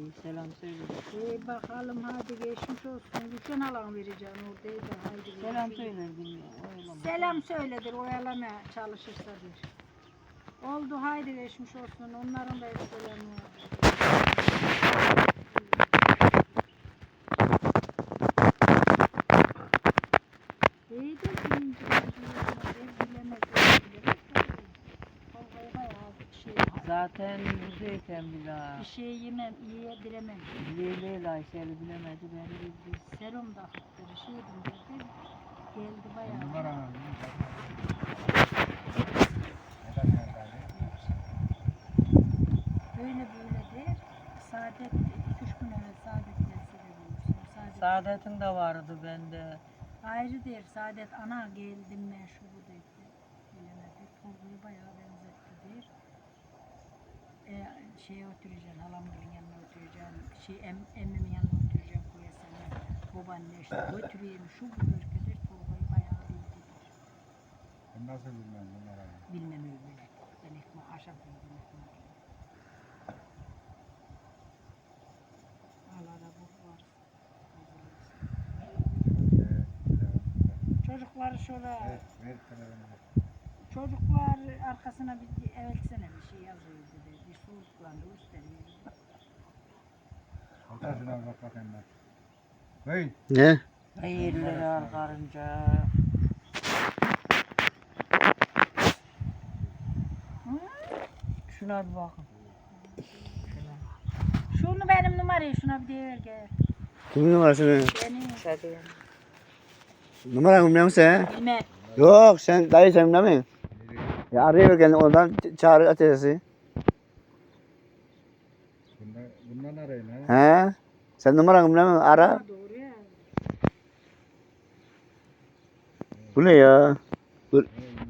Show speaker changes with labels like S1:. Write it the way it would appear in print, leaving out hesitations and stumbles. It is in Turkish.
S1: selam söyle.
S2: Bakalım hadi geçmiş olsun. Gülşen halan vereceğim oradaydı. Haydi
S1: Selam
S2: görüşürüz.
S1: söyle bilmiyorum. Oylama.
S2: Selam söyledir, oyalamaya çalışırsadır. Oldu haydi geçmiş olsun. Onların da hep selamı var. İyidir birinci bilemez.
S1: Zaten buradayken bile
S2: Bir şey yemem, yiyebilemem.
S1: Leyla Ayşe'li bilemedi beni bildi.
S2: Serum da hattırı şeydim dedi. Geldi bayağı.
S3: Numara
S2: Böyle der. Saadet 2-3 gün evvel Saadet gelse de bulursun.
S1: Saadet'in de vardı bende.
S2: Ayrı der. Saadet ana geldim ben şu bu dedi. Bilemedi. Tolga'yı bayağı benzetti der. Şeye oturacaksın, halamların yanına oturacaksın. Emmimin yanına oturacaksın koyasana. Babaanne işte götüreyim şu bu ülkedir. Tolga'yı bayağı bildi der.
S3: Ben nasıl bilmem numara.
S2: Bilmem öyle. Ben ekmek aşağı koydum ekmek. Allah'a bu var. Çocuklar şöyle,
S3: Ver telefonu.
S2: çocuklar arkasına bir evvelsene bir şey yazıyor dedi. Bir soğuklandı gösteriyor.
S3: Hatta şuna bir bak bakayım ben. Hey.
S4: Ne?
S1: Hayırlı al karınca. Şuna bir bakın.
S2: Şunu benim numarayı şuna bir deyiver gel.
S4: Kimin numarasını?
S2: Benim.
S1: Şadiye.
S4: Numaranı bilmiyor musun sen?
S2: Bilmem.
S4: Yok sen dayı sen bilmiyor musun? Ya arıyor kendini oradan çağır ateşi.
S3: Bundan arayın ha.
S4: He? Sen numaranı bilmiyor musun? Ara.
S2: Ha, doğru ya.
S4: Bu ne ya?
S3: Hey,